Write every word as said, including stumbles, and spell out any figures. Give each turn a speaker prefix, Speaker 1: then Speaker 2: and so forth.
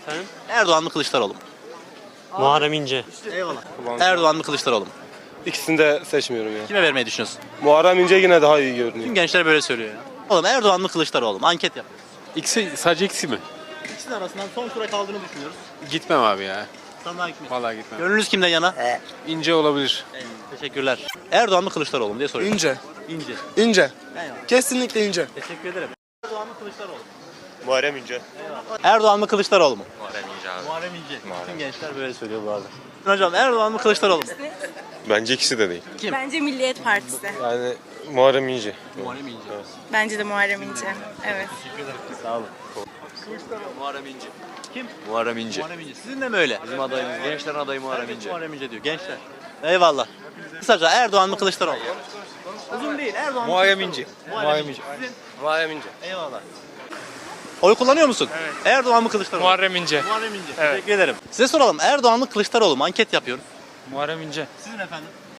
Speaker 1: Efendim?
Speaker 2: Erdoğan mı Kılıçdaroğlu mu?
Speaker 1: Muharrem İnce.
Speaker 2: Eyvallah. Erdoğan mı Kılıçdaroğlu mu?
Speaker 3: İkisini de seçmiyorum ya.
Speaker 2: Kime vermeyi düşünüyorsun?
Speaker 3: Muharrem İnce yine daha iyi görünüyor.
Speaker 2: Tüm gençler böyle söylüyor ya. Oğlum Erdoğan mı Kılıçdaroğlu mu? Anket yap.
Speaker 4: İkisi, sadece ikisi mi?
Speaker 2: İkisinin arasından son tura kaldığını düşünüyoruz.
Speaker 4: Gitmem abi ya.
Speaker 2: Sandığa gitmiş.
Speaker 4: Vallahi gitmem.
Speaker 2: Gönlünüz kimden yana?
Speaker 4: İnce olabilir.
Speaker 2: Teşekkürler. Erdoğan mı Kılıçdaroğlu mu diye soruyorum.
Speaker 5: İnce.
Speaker 2: İnce.
Speaker 5: İnce.
Speaker 2: Eyvallah.
Speaker 5: Kesinlikle ince.
Speaker 2: Teşekkür ederim. Erdoğan mı Kılıçdaroğlu mu?
Speaker 3: Muharrem İnce.
Speaker 2: Erdoğan mı Kılıçdaroğlu mu?
Speaker 3: Muharrem İnce abi.
Speaker 2: Muharrem İnce. Tüm gençler böyle söylüyor bu arada. Hocam Erdoğan mı Kılıçdaroğlu mu?
Speaker 3: Bence ikisi de değil.
Speaker 6: Bence Milliyet Partisi.
Speaker 3: Yani Muharrem İnce.
Speaker 2: Muharrem İnce.
Speaker 6: Bence de Muharrem İnce. Evet.
Speaker 2: Sağ olun.
Speaker 7: Muharrem İnce.
Speaker 2: Kim?
Speaker 7: Muharrem İnce.
Speaker 2: Muharrem İnce. Sizin de mi öyle?
Speaker 7: Bizim adayımız, gençlerin adayı Muharrem
Speaker 2: Herkes
Speaker 7: İnce.
Speaker 2: Muharrem İnce diyor. Gençler. Eyvallah. Kısaca Erdoğan mı Kılıçdaroğlu mu? Uzun değil. Erdoğan mı
Speaker 3: Muharrem
Speaker 2: Kılıçdaroğlu
Speaker 3: İnce.
Speaker 2: mu? Muharrem İnce. Sizin?
Speaker 3: Muharrem İnce.
Speaker 2: Eyvallah. Oy kullanıyor musun? Evet. Erdoğan mı Kılıçdaroğlu mu?
Speaker 4: Muharrem İnce.
Speaker 2: Muharrem İnce. Teşekkür ederim. Size soralım. Erdoğan mı Kılıçdaroğlu mu? Anket yapıyoruz.
Speaker 4: Muharrem İnce.
Speaker 2: Sizin efendim?